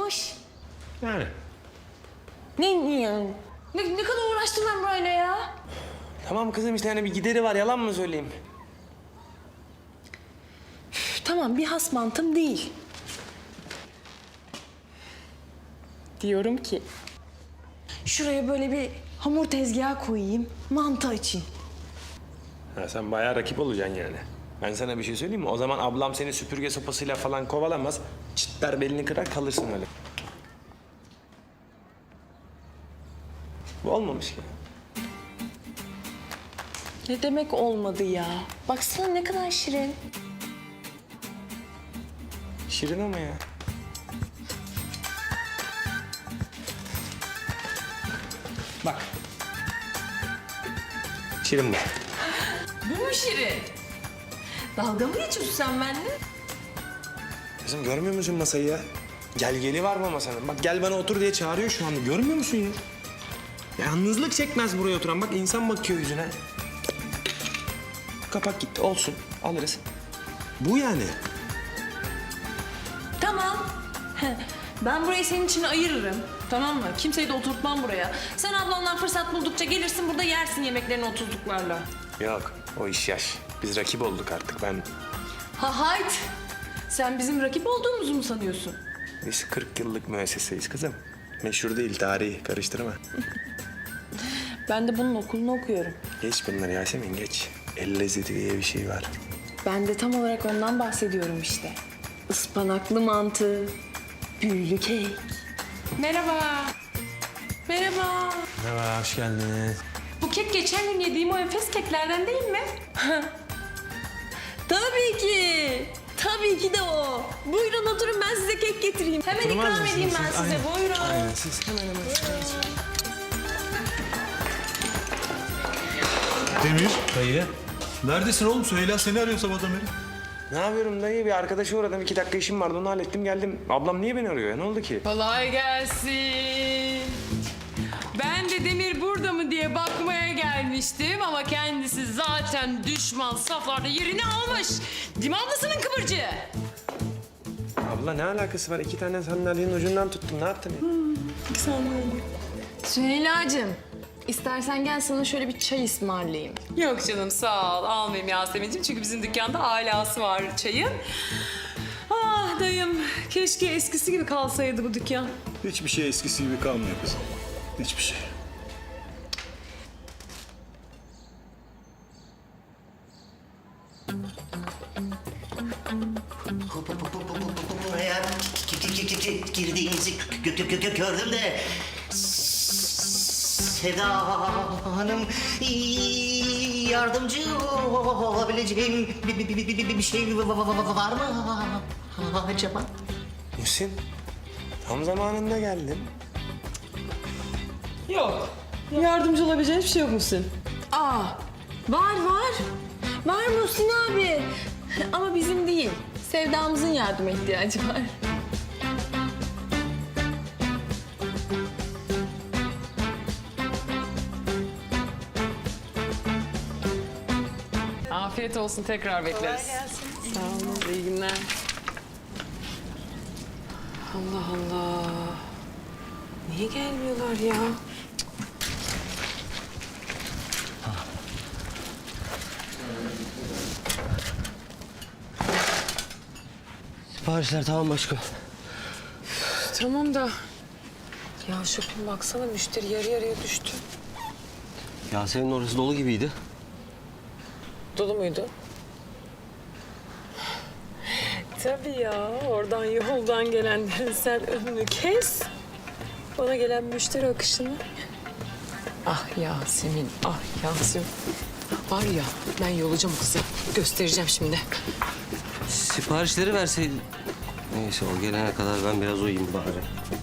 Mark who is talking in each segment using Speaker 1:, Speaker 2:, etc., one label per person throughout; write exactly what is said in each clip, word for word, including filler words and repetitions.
Speaker 1: olmamış.
Speaker 2: Yani.
Speaker 1: Ne, ne yani? Ne, ne kadar uğraştım ben burayla ya?
Speaker 2: Tamam kızım işte hani bir gideri var, yalan mı söyleyeyim?
Speaker 1: Üf, tamam bir has mantım değil. Diyorum ki... Şuraya böyle bir hamur tezgahı koyayım, mantı açayım.
Speaker 2: Ha, sen bayağı rakip olacaksın yani. Ben sana bir şey söyleyeyim mi? O zaman ablam seni süpürge sopasıyla falan kovalamaz. Çitler belini kırar kalırsın öyle. Bu olmamış ki.
Speaker 1: Ne demek olmadı ya? Baksana ne kadar şirin.
Speaker 2: Şirin ama ya. Bak. Şirin bu.
Speaker 1: Bu mu şirin? Dalga mı geçiyorsun sen benimle?
Speaker 2: Kızım görmüyor musun masayı ya? Gel geli var mı masanın? Bak gel bana otur diye çağırıyor şu anda. Görmüyor musun ya? Yalnızlık çekmez buraya oturan. Bak insan bakıyor yüzüne. Kapak gitti. Olsun. Alırız. Bu yani.
Speaker 1: Tamam. Ben burayı senin için ayırırım. Tamam mı? Kimseyi de oturtmam buraya. Sen ablandan fırsat buldukça gelirsin burada yersin yemeklerini otuzluklarla.
Speaker 2: Yok. O iş yaş. Biz rakip olduk artık. Ben...
Speaker 1: Ha hayt. Sen bizim rakip olduğumuzu mu sanıyorsun?
Speaker 2: Biz kırk yıllık müesseseyiz kızım. Meşhur değil, tarihi. Karıştırma.
Speaker 1: Ben de bunun okulunu okuyorum.
Speaker 2: Geç bunları Yasemin, geç. El lezzeti diye bir şey var.
Speaker 1: Ben de tam olarak ondan bahsediyorum işte. Ispanaklı mantı, büyülü kek. Merhaba. Merhaba.
Speaker 2: Merhaba, hoş geldiniz.
Speaker 1: Bu kek geçen gün yediğim o enfes keklerden değil mi? Tabii ki. Tabii ki de o. Buyurun oturun ben size kek getireyim. Hemen
Speaker 2: Oturmaz
Speaker 1: ikram
Speaker 2: mısınız
Speaker 1: edeyim ben
Speaker 2: siz?
Speaker 1: size.
Speaker 2: Aynen.
Speaker 1: Buyurun.
Speaker 2: Aynen, siz hemen hemen.
Speaker 3: Demir,
Speaker 4: Dayı.
Speaker 3: neredesin oğlum? Süheyla seni arıyor sabahtan beri.
Speaker 2: Ne yapıyorum dayı? Bir arkadaşa uğradım. İki dakika işim vardı. Onu hallettim geldim. Ablam niye beni arıyor ya? Ne oldu ki?
Speaker 5: Kolay gelsin. Ben de Demir burada mı diye bakmaya gelmiştim ama kendisi zaten düşman saflarda yerini almış. Değil mi ablasının kıvırcığı?
Speaker 2: Abla ne alakası var? İki tane sandalyenin ucundan tuttum. Ne yaptın ya?
Speaker 1: Süheyla'cığım, istersen gel sana şöyle bir çay ısmarlayayım.
Speaker 5: Yok canım sağ ol almayayım Yasemin'ciğim çünkü bizim dükkanda alası var çayın. Ah dayım keşke eskisi gibi kalsaydı bu dükkan.
Speaker 3: Hiçbir şey eskisi gibi kalmıyor kızım. Hiçbir şey.
Speaker 6: Buraya girdiğinizi gö- gö- gö- gördüm de Seda Hanım yardımcı olabileceğim bir, bir, bir, bir, bir şey var mı acaba?
Speaker 2: Muhsin, tam zamanında geldin.
Speaker 5: Yok yardımcı olabileceğin bir şey yok musun?
Speaker 1: Aa, var var. Var Muhsin abi. Ama bizim değil. Sevdamızın yardıma ihtiyacı var.
Speaker 5: Afiyet olsun tekrar bekleriz. Sağ olun iyi günler. Allah Allah. Niye gelmiyorlar ya?
Speaker 6: Siparişler tamam başkanım.
Speaker 5: Tamam da ya şopun baksana müşteri yarı yarıya düştü.
Speaker 6: Yasemin'in orası dolu gibiydi.
Speaker 5: Dolu muydu? Tabii ya oradan yoldan gelenlerin sen önünü kes. Bana gelen müşteri akışını. Ah Yasemin, ah Yasemin. Var ya ben yolacağım kızı. Göstereceğim şimdi.
Speaker 6: Siparişleri verseydin. Neyse o gelene kadar ben biraz uyuyayım bari.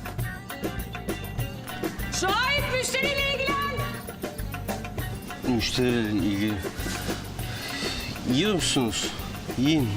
Speaker 5: Şahit müşteriyle ilgilen.
Speaker 6: Müşterilerle ilgili. Yiyor musunuz? Yiyin.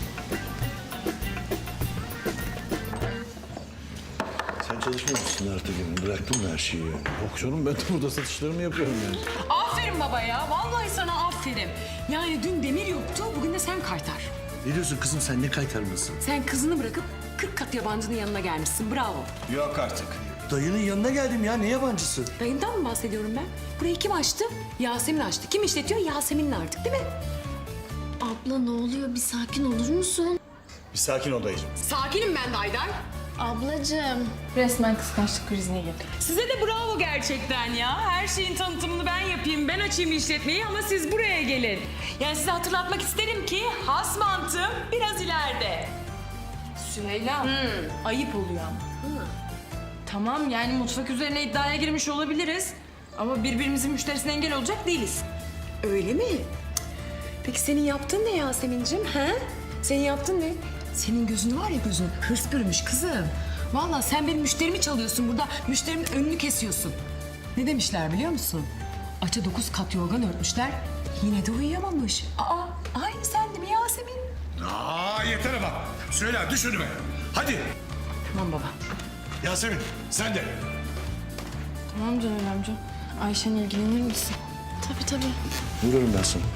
Speaker 3: Sen çalışmıyor musun artık yani? Bıraktın mı her şeyi yani? Yok canım ben de burada satışlarımı yapıyorum yani.
Speaker 5: Aferin baba ya. Vallahi sana aferin. Yani dün Demir yoktu, bugün de sen kaytar.
Speaker 3: Ne diyorsun kızım sen ne kaytarmasın?
Speaker 5: Sen kızını bırakıp kırk kat yabancının yanına gelmişsin. Bravo.
Speaker 2: Yok artık.
Speaker 3: Dayının yanına geldim ya, ne yabancısı?
Speaker 5: Dayından mı bahsediyorum ben? Burayı kim açtı? Yasemin açtı. Kim işletiyor? Yasemin'le artık değil mi?
Speaker 4: Abla ne oluyor? Bir sakin olur musun?
Speaker 3: Bir sakin ol dayıcığım.
Speaker 5: Sakinim ben de Haydar.
Speaker 4: Ablacığım.
Speaker 1: Resmen kıskançlık krizine girdik.
Speaker 5: Size de bravo gerçekten ya. Her şeyin tanıtımını ben yapayım, ben açayım işletmeyi ama siz buraya gelin. Yani size hatırlatmak isterim ki has mantığım biraz ileride.
Speaker 1: Süheyla, ayıp oluyor ama. Tamam yani mutfak üzerine iddiaya girmiş olabiliriz. Ama birbirimizin müşterisine engel olacak değiliz.
Speaker 5: Öyle mi? Peki senin yaptığın ne Yasemin'cim? He? Senin yaptığın ne? Senin gözün var ya gözün. Hırs bürümüş kızım. Vallahi sen benim müşterimi çalıyorsun burada. Müşterimin önünü kesiyorsun. Ne demişler biliyor musun? Aça dokuz kat yorgan örtmüşler. Yine de uyuyamamış. Aa, aynı sen de mi Yasemin?
Speaker 7: Aa yeter ama. Söyle düş önüme. Hadi.
Speaker 5: Tamam baba.
Speaker 7: Yasemin sen de.
Speaker 1: Tamam Caner amca. Ayşen ilgilenir misin?
Speaker 4: Tabii tabii.
Speaker 3: Vururum ben sana.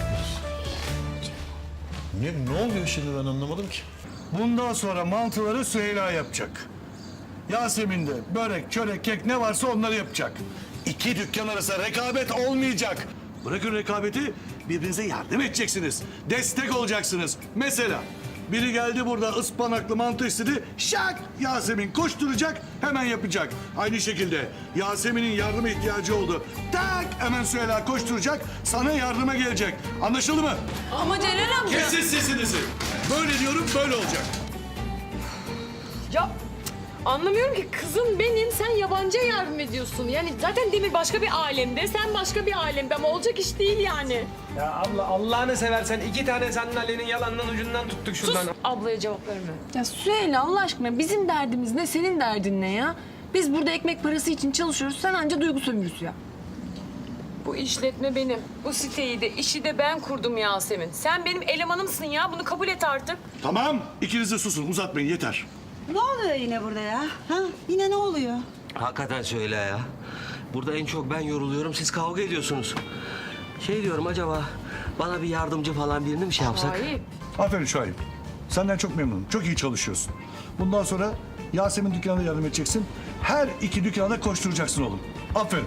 Speaker 3: Ne, ne oluyor şimdi ben anlamadım ki.
Speaker 7: Bundan sonra mantıları Süheyla yapacak. Yasemin de börek, çörek, kek ne varsa onları yapacak. İki dükkan arasında rekabet olmayacak. Bırakın rekabeti, birbirinize yardım edeceksiniz. Destek olacaksınız. Mesela biri geldi burada ıspanaklı mantı istedi. Şak! Yasemin koşturacak, hemen yapacak. Aynı şekilde Yasemin'in yardıma ihtiyacı oldu. Tak! Hemen Süheyla koşturacak, sana yardıma gelecek. Anlaşıldı mı?
Speaker 1: Ama Caner amca...
Speaker 7: Kesin sesinizi. Böyle diyorum, böyle olacak.
Speaker 5: Ya anlamıyorum ki kızım benim, sen yabancıya yardım ediyorsun. Yani zaten Demir başka bir alemde, sen başka bir alemde ama olacak iş değil yani.
Speaker 2: Ya abla Allah'ını seversen iki tane sandalyenin yalanından ucundan tuttuk şuradan.
Speaker 5: Ablaya cevap verme.
Speaker 1: Ya Süheyla Allah aşkına bizim derdimiz ne, senin derdin ne ya? Biz burada ekmek parası için çalışıyoruz, sen anca duygu sömürüsü ya.
Speaker 5: Bu işletme benim. Bu siteyi de, işi de ben kurdum Yasemin. Sen benim elemanımsın ya, bunu kabul et artık.
Speaker 7: Tamam, ikiniz de susun, uzatmayın yeter.
Speaker 8: Ne oluyor yine burada ya? Ha? Yine ne oluyor?
Speaker 9: Hakikaten söyle ya. Burada en çok ben yoruluyorum, siz kavga ediyorsunuz. Şey diyorum acaba bana bir yardımcı falan birini mi şey yapsak?
Speaker 5: Hayır.
Speaker 7: Aferin Şahip. Senden çok memnunum. Çok iyi çalışıyorsun. Bundan sonra Yasemin dükkanına yardım edeceksin. Her iki dükkana da koşturacaksın oğlum. Aferin.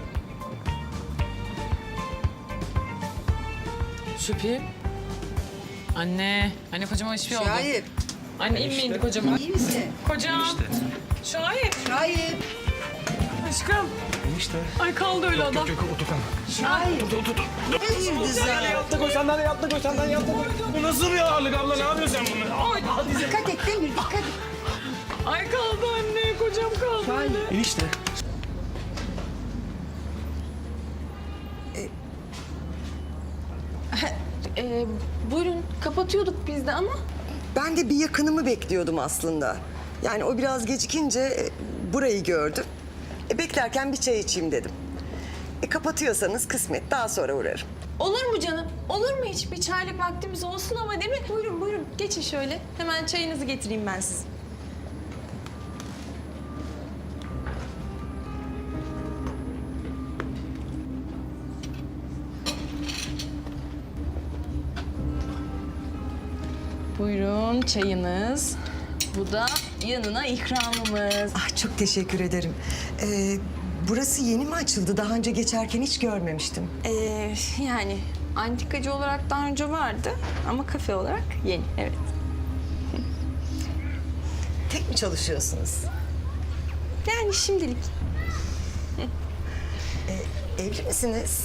Speaker 5: Şüphi. Anne. Anne kocama hiçbir şey oldu.
Speaker 8: Şahip,
Speaker 5: Anne inme indi kocama.
Speaker 8: iyi misin?
Speaker 5: Kocam. Şahip.
Speaker 8: Şahip,
Speaker 5: Aşkım.
Speaker 2: İşte.
Speaker 5: Ay kaldı öyle adam.
Speaker 8: Şahip. Hayırdır sana?
Speaker 2: Yattık o sandalye, yattık o sandalye, yattık o. Bu nasıl bir ağırlık abla, ne yapıyorsun sen bunu?
Speaker 5: Ay,
Speaker 8: Dikkat et Demir, dikkat et.
Speaker 5: ay kaldı anne. Kocam kaldı. Anne.
Speaker 2: Enişte.
Speaker 1: Ee, buyurun kapatıyorduk biz de ama...
Speaker 10: Ben de bir yakınımı bekliyordum aslında. Yani o biraz gecikince e, burayı gördüm. E, beklerken bir çay içeyim dedim. E, kapatıyorsanız kısmet, daha sonra uğrarım.
Speaker 1: Olur mu canım? Olur mu hiç? Bir çaylık vaktimiz olsun ama değil mi? Buyurun buyurun geçin şöyle. Hemen çayınızı getireyim ben size. Buyurun çayınız. Bu da yanına ikramımız.
Speaker 10: Ah, çok teşekkür ederim. E, burası yeni mi açıldı? Daha önce geçerken hiç görmemiştim.
Speaker 1: Ee, yani antikacı olarak daha önce vardı ama kafe olarak yeni, evet.
Speaker 10: Tek mi çalışıyorsunuz?
Speaker 1: Yani şimdilik.
Speaker 10: E, evli misiniz?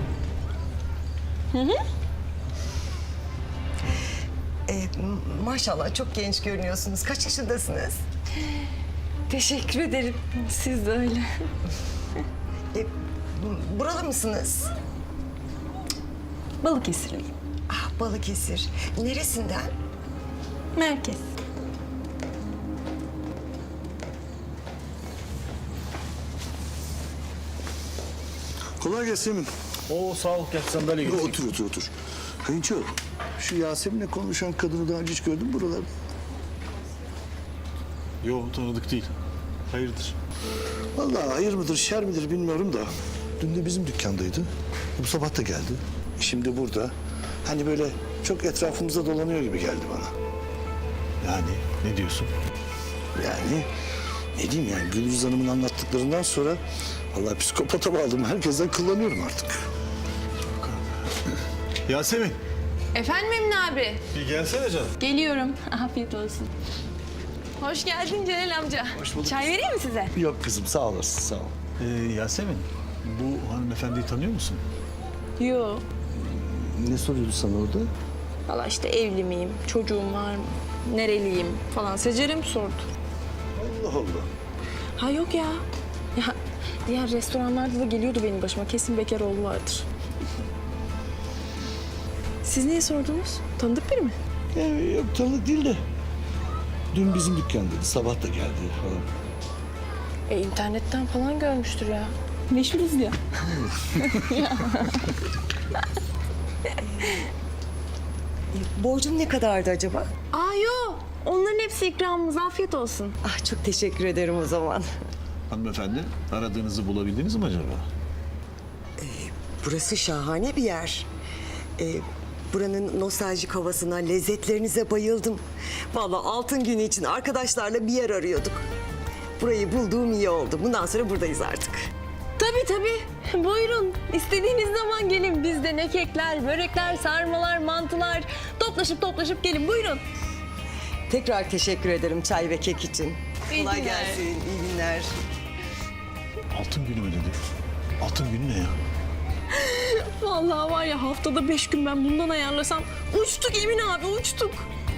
Speaker 10: E, m- maşallah çok genç görünüyorsunuz. Kaç yaşındasınız?
Speaker 1: Teşekkür ederim. Siz de öyle.
Speaker 10: E, m- buralı mısınız?
Speaker 1: Balıkesirliyim.
Speaker 10: Ah, Balıkesir. Neresinden?
Speaker 1: Merkez.
Speaker 3: Kolay gelsin Emin.
Speaker 7: Oo sağ ol, gel sandalye getir.
Speaker 3: Otur otur otur. Kayınço, şu Yasemin'le konuşan kadını daha önce hiç gördün mü buralarda?
Speaker 7: Yo tanıdık değil. Hayırdır?
Speaker 3: Vallahi hayır mıdır, şer midir bilmiyorum da. Dün de bizim dükkandaydı. Bu sabah da geldi. Şimdi burada. Hani böyle çok etrafımızda dolanıyor gibi geldi bana.
Speaker 7: Yani ne diyorsun?
Speaker 3: Yani ne diyeyim yani Gülüz Hanım'ın anlattıklarından sonra vallahi psikopata bağladım. Herkesten kullanıyorum artık.
Speaker 7: Yasemin.
Speaker 1: Efendim Emine abi?
Speaker 7: Bir gelsene canım.
Speaker 1: Geliyorum. Afiyet olsun. Hoş geldin Celal amca.
Speaker 3: Hoş bulduk.
Speaker 1: Çay vereyim mi size?
Speaker 3: Yok kızım sağ olasın sağ ol.
Speaker 7: Ee, Yasemin, bu hanımefendiyi tanıyor musun?
Speaker 1: Yo.
Speaker 3: Ne soruyordu sana orada?
Speaker 1: Valla işte evli miyim, çocuğum var mı, nereliyim falan. Secerem sordu.
Speaker 3: Allah Allah.
Speaker 1: Ha yok ya. Ya diğer restoranlarda da geliyordu benim başıma. Kesin bekar oğlu vardır. Siz niye sordunuz? Tanıdık biri mi?
Speaker 3: Ya, yok tanıdık değil de. Dün bizim dükkandaydı. Sabah da geldi falan.
Speaker 1: E internetten falan görmüştür ya. Meşhuruz ya.
Speaker 10: Borcum ne kadardı acaba?
Speaker 1: Aa yo. Onların hepsi ikramımız. Afiyet olsun.
Speaker 10: Ah çok teşekkür ederim o zaman.
Speaker 7: Hanımefendi, aradığınızı bulabildiniz mi acaba?
Speaker 10: Burası şahane bir yer. Ee, buranın nostaljik havasına, lezzetlerinize bayıldım. Vallahi altın günü için arkadaşlarla bir yer arıyorduk. Burayı bulduğum iyi oldu. Bundan sonra buradayız artık.
Speaker 1: Tabii tabii. Buyurun. İstediğiniz zaman gelin. Bizde ne kekler, börekler, sarmalar, mantılar. Toplaşıp toplaşıp gelin. Buyurun.
Speaker 10: Tekrar teşekkür ederim çay ve kek için.
Speaker 1: İyi
Speaker 10: Kolay
Speaker 1: günler.
Speaker 10: gelsin, iyi günler.
Speaker 7: Altın günü mü dedi? Altın günü ne ya?
Speaker 1: Vallahi var ya haftada beş gün ben bundan ayarlasam uçtuk Emin abi uçtuk.